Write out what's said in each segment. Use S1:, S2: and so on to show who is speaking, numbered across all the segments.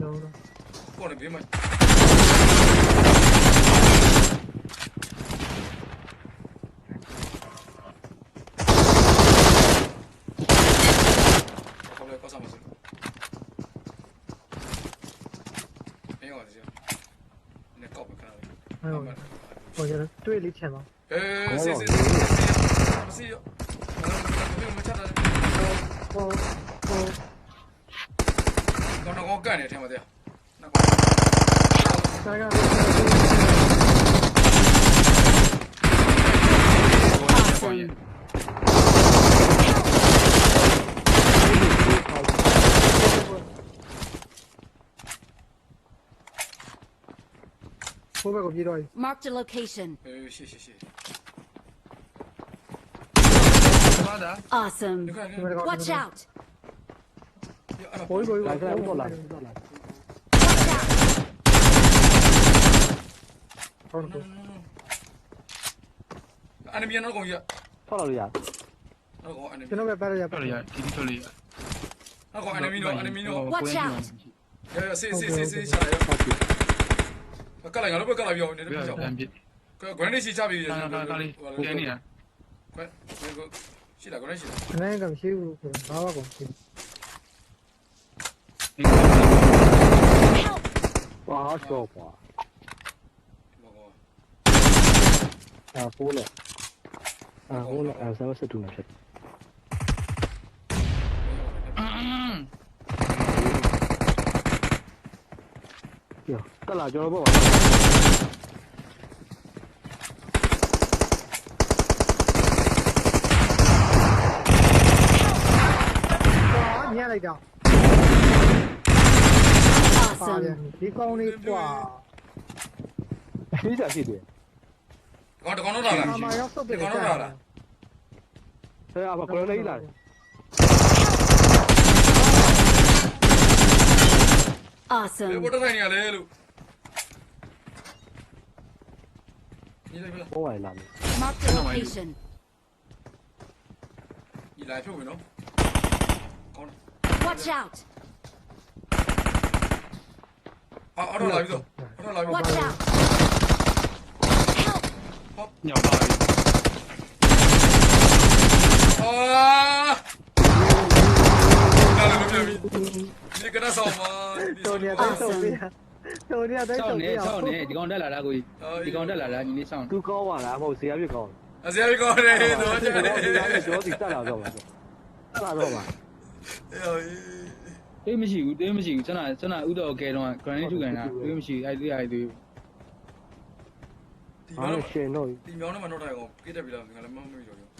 S1: ပေါ်နေပြီမခေါ်လဲပတ်စမ်းမစအေးဟုတ်တယ်နေကောက်ပဲခဏလေး
S2: ဟိုကျတော့တွေ့လေးချင်ပါ
S1: စီရောမချတာ
S2: ဟို
S1: တော့ကန်နေတယ်ထဲမှာတရားနောက်
S2: ဆိုင်ကဟိုဘက်ကပြေးတော့
S3: Mark the location.
S1: ရှေ့
S3: Awesome. Watch out.
S2: ဟို
S4: 来来过来。
S2: ဟုတ်တယ်
S1: enemy နောက်ကောင်ကြီး
S4: 跳到里呀？
S1: နောက်ကောင် enemy
S2: ကျွန်တော်ပဲပတ်ရပါ
S5: ထွက်ရတီတီထွက်ရ
S1: နောက်ကောင် enemy တော့ enemy တော့
S3: Watch out.
S1: ဆေးချလာရောကလိုက်ငါတို့ဘက်ကလာပြောနေတယ်ပြော
S5: တန်ပြစ်
S1: grenade စီချပြီ
S5: ကာလေးကျနေတာ
S1: ရှိလား grenade ရှိလား
S2: အနေကမရှိဘူးဘာမှကုန်ရှိ
S4: 哇，好小吧？啊，好了。啊，好了，什么是多呢？是。哟，到哪去了不？
S2: 哇，你来着。
S3: Awesome.
S2: ဒီကောင်းလေးกว่า
S4: 你咋去的？
S1: ကောင်တကောင်တော့လာလား
S2: အမရောက်စုပ်တယ်
S1: ကောင်တော့လာလား
S4: 对啊，把过来一来。
S3: Awesome.
S1: ဘယ်တော့ထိုင်နေရလဲလို့ညီလိုက်ပြီလား
S4: 我来了。
S3: Mark the location.
S1: ညီလိုက်ဖြုတ်ပြီနော်ကောင်း
S3: Watch out.
S1: အော်တော့လာပြီတော့အော်တော့လာပြီ
S3: Watch out. Help.
S5: ညောက်ပါပြီ
S1: အာနားလည်းမပြပြီဒီကနေ့ဆောင်ပါ
S2: တော်နေတိုင်းစုပ်ပြတော်နေတိုင်း
S6: ဆော
S2: စုပ်
S6: င်း
S2: ပြ
S6: နေဆောင်းနေဒီကောင်တက်လာတာကိုဒီကောင်တက်လာတာညီလေးဆောင်း
S4: 都高完了，然后谁也别高。
S1: အစရကောင်းတယ်တော့ကျတယ်
S4: 主要是带哪个嘛？带哪个嘛？
S6: တွေးမရှိဘူးတွေးမရှိဘူးကျွန်တော်ဥတော်ကဲတော့ granite ထုတ်ကန်တာတွေးမရှိအဲ့ဒီအဲ့ဒီ
S1: ဒီ
S4: 好
S1: မြော
S4: 像
S1: င်း
S4: 选到。
S1: ဒီမြောင်းနဲ့မတော့ထိုင်အောင်ကိတက်ပြီလားငါလည်းမမေ့ကြော်ရော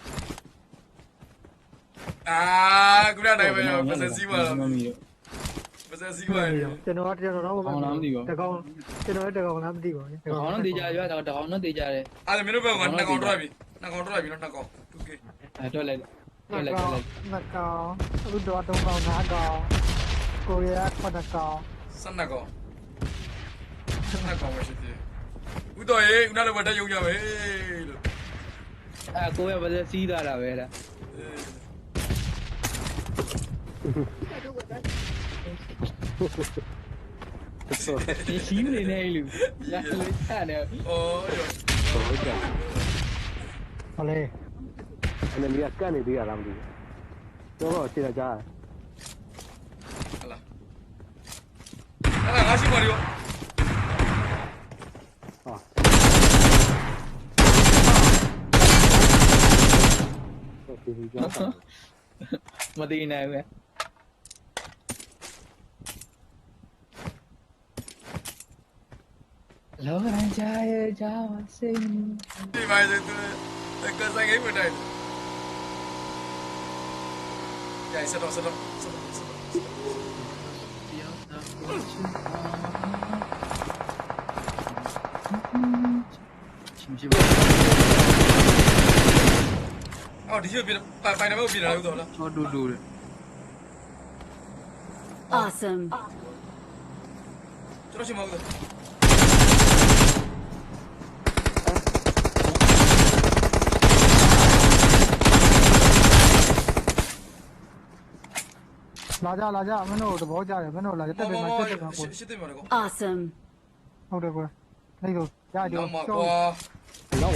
S1: အာခုနတိုင်းပဲပစစီပါလား
S6: မမီး
S1: ပစစီပါ
S2: ကျွန်တော်တော့တကောင်ကျွန်တော်တကောင်လားမသိပါဘူး
S6: တကောင်တော့တေးကြရွာတကောင်တော့တေးကြတယ်
S1: အဲ့ဒါမင်းတို့ဘက်ကနှစ်ကောင်တော့ပြီနှစ်ကောင်တော့ပြီနော်နှစ်ကောင် 2k
S6: အဲ့တော့လိုက်
S2: နှစ်ကောင်အခုတော့3ကောင်5ကောင်ကိုရီးယား9ကောင်
S1: 12ကောင်12ကောင်ပဲရှိသေးဦးတော်ရေဦးနာလည်းတက်ရုံကြပဲလို့
S6: အဲ့ကိုရပါစေစီးလာတာပဲလားစီးနေနေလူလာလေးထားနေ
S1: အော်
S2: ဟောလေ
S4: 那你也干的对呀，咱们这个。要不现在家？
S1: ဟလာအဲ့ဒါငါရှိပါလေရော
S4: 啊。这是家。
S6: မသိနိုင်ဘူးလောကရန်ကြရဲ့ကြောင်းစိတ်
S1: ဒီမိုင်းတဲ့ကစားဂိမ်းမတိုင်းကြိုင်စတော့
S5: ချင်းချင်းပါ
S1: အော်ဒီရွှေပြပိုင်နံပါတ်ပြလာလို့တော့လား
S5: ချောတူတူတဲ့
S3: Awesome.
S1: ကျွန်တော်ရှိမှာဘူး
S2: လာကြမင်းတို့သဘောကျတယ်မင်းတို့လာကြတက်တယ်မှာတက်တယ်မှာကို
S1: ရှစ်သိမ်းပါလေကော
S3: Awesome.
S2: ဟုတ်တယ်ကိုနေတော့ရကြ
S1: တော့မှာ
S2: ရှော
S1: ကွာ
S4: လောက်ပါ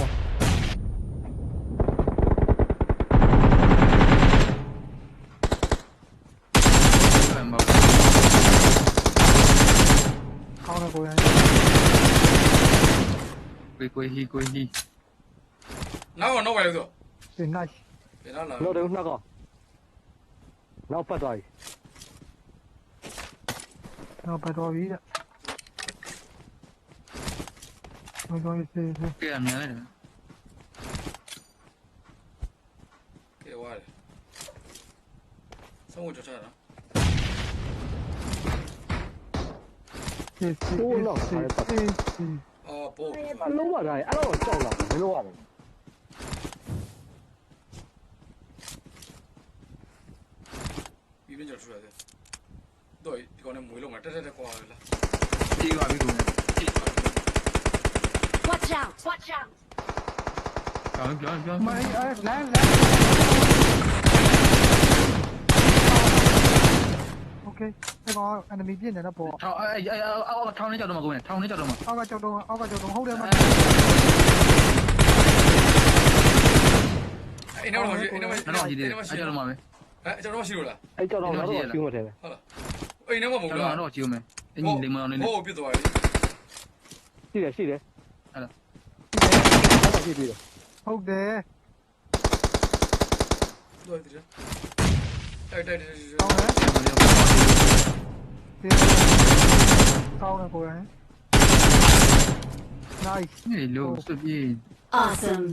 S2: ကောင်းတယ်ကိုရ
S5: ကိုဟီ
S1: နောက်ပါလေဆို
S2: ဒီ nice
S1: ပြန်လာ
S4: လောက်တယ်နှစ်ကောနောက်ပတ်သွားပြီ
S2: တော့ပတ်တော်ပြီတဲ့ဟုတ်တော့စေး
S5: ကဲအများလိုက်တယ်
S1: ကဲဝါတယ်ဆုံးဝကြချတာ
S2: စေးစေး
S1: အော်ပို့
S4: အလုံးပါတိုင်းအဲ့တော့ကြောက်လာတယ်မလို့ရတယ်
S1: ပြီးပြန်ကြထူရတယ်တော့ဒီကောင်နဲ့မွေးလုံးမှာတက်ကွာလား
S5: ပြေးပါပြီကို
S3: Watch out. Watch out.
S5: ပြော
S2: မိုင်းလမ်းโอเคဒီကောင် enemy ပြင်းနေတော့ပေါ့
S5: ထောင်းထောင်းနေကြောက်တော့မှာကိုထောင်းနေကြောက်တော့မှာ
S2: အောက်ကကြောက်တော့ဟုတ်တယ်မ
S1: အဲ့နောက်တော့အဲ့နောက်
S5: တော့ကြီးတယ်အကြောက်တော့မှာပဲ
S1: အဲ့ကျွန်တော်ရှိလို့လား
S4: အဲ့ကြောက်တော့တော့ကျူးမထဲပဲ
S1: ဟုတ်လားအဲ့နောက်မှမဟုတ်
S5: ကျွန်
S1: လား
S5: တော်တော့ကြည့်ဦးမယ်အင်းကြီးလိမ္မာအောင်နေနေ
S1: ဟိုပြစ်သွားပြီ
S4: ရှိတယ်
S5: အဲ့ဒါ
S4: ရှိပြီ
S2: ဟုတ်တယ်
S1: တော့ဒီတိုက်
S2: ကောင်းတယ်ကောင်းတယ်ကိုရ nice
S5: နေလို့စပြေး
S3: Awesome.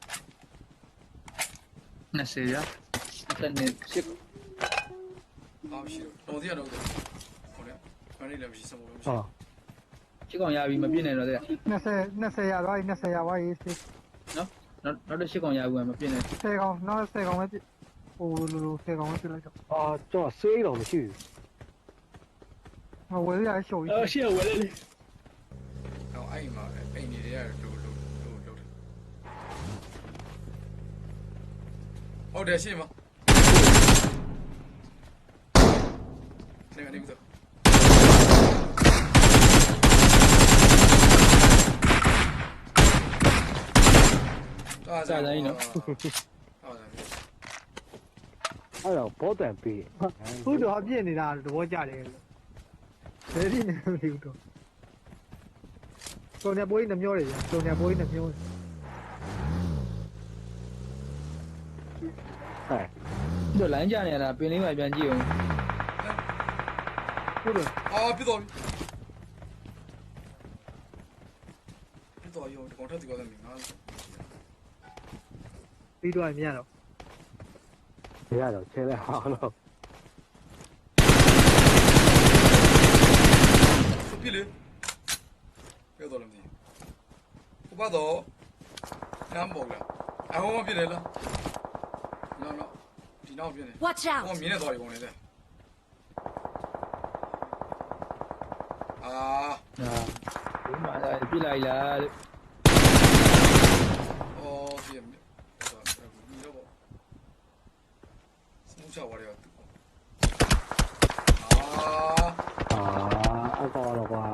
S5: 20ရ
S6: တက်နေရှစ်
S1: အားရှိတော့ဒီကတော့ဟုတ်တယ်ခဏလေးလည်းမရှိစမိုးလို့မရှိ
S4: ဟာ
S6: ရှစ်ကောင်ရပြီမပြည့်နိုင်တော့တဲ့
S2: 20ရသွားပြီ20ရသွားပြီစေး
S6: နော်နောက်တော့ရှစ်ကောင်ရဘူးမပြည့်နိုင်
S2: 10ကောင်နောက်10ကောင်ပဲပြဟိုလို10ကောင်ပဲပြလိုက်တော့
S4: အာကျွန်တော်ဆေးတော့မရှိ
S2: ဟိုဝယ်ရရှိုးကြီး
S6: ရှစ်ဝယ်လေ
S1: တော့အဲ့မှာအိမ်နေရလို့ဟုတ်တယ်ရှင်းမနေတော့
S6: စာတိုင်းနော်
S4: အဲ့တော့ဘောတန်ပေး
S2: ဟုတ်တော့ပြည့်နေတာသဘောကျတယ်ဘယ်ဒီနေမလို့တော့စုံနေပွေးနှမျောတယ်စုံနေပွေးနှမျော
S4: ဟဲ့
S6: တို့လိုင်းကြနေရတာပင်လေးမှပြန်ကြည့်အောင်
S2: ဟုတ်တယ်
S1: အာပြတော့ရောဒီကောင်ထက်ဒီကောင်လည်းငါ
S2: ပြီးတော့မြင်တော့
S4: ရတော့ချဲလဲဟာတော့
S1: ပြလေပြောတော့လည်းမသိဘူးဘာတော့နမ်းပေါ်လားအဟောမပြတယ်လားနော်ဒီနောက်ပြတယ်
S3: Watch
S1: ဟော
S3: out.
S1: မြင်နေတော့ဒီကောင်လေးတဲ့အာ
S6: ဒီမှာပြလိုက်လားလို့
S1: အော်ပြမြင်တော့ဒီတော့စမှုချဝရရအာ
S4: အကောတော့ကွာ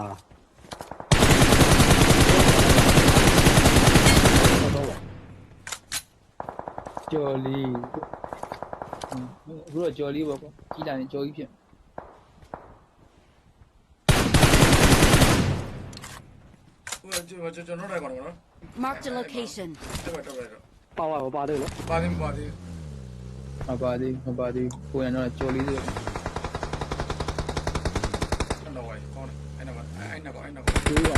S4: တော့
S6: ကြော်လီအခုတော့ကြော်လီပေါ့ကွာကြီးလာရင်ကြော်ကြီးဖြစ်
S1: ဟိုကျွန်တော်လည်းကောင်းတော့နော်
S3: Marked a location.
S1: တော့တော့
S4: ပါဝါမပါသေးလို့
S1: ပါတယ်
S6: မပါသေးကိုရတော့ကြော်လီဆို
S1: တော့ဝိုင်းကောင်းတယ်အဲ့နော်
S6: ကျိုးပါ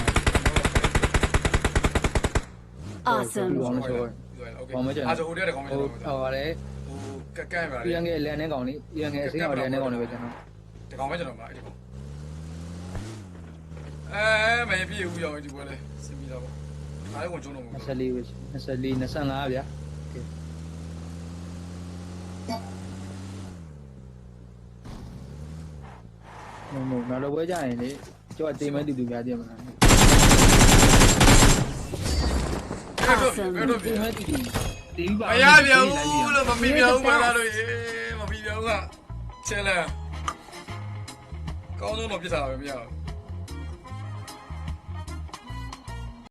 S3: Awesome.
S6: ကောင်းလို့ဆို
S1: အားဆိုဟိုတည်းကောင်းမယ်
S6: ဟိုဟောလေ
S1: ဟိုကဲပါလေ
S6: ပြန်ငယ်လန်နေကောင်လေးပြန်ငယ်အစင်းအောင်လန်နေကောင်လေးပဲကျွန်တော်
S1: ဒီကောင်ပဲကျွန်တော်မှာအဲ့ဒီကောင်မပြေဘူးရောဒီပွဲလေစင်ပြီးတော့အားလုံးဝင်ကျုံတော့မဟုတ်
S6: 24ပဲ24 25ဗျာမနောက်တော့ပွဲကြရင်လေကျော်တေးမဲတူတူပြတယ်မလား
S3: Awesome.
S6: တေးမဲတူတူတေးပါ
S1: မရပြန်ဘူးလို့မပြီးပြန်ဘူးပါလားလို့မပြီးပြန်ဘူးကချဲလဲကောင်းဆုံးတော့ပြစ်တာပဲမရဘူး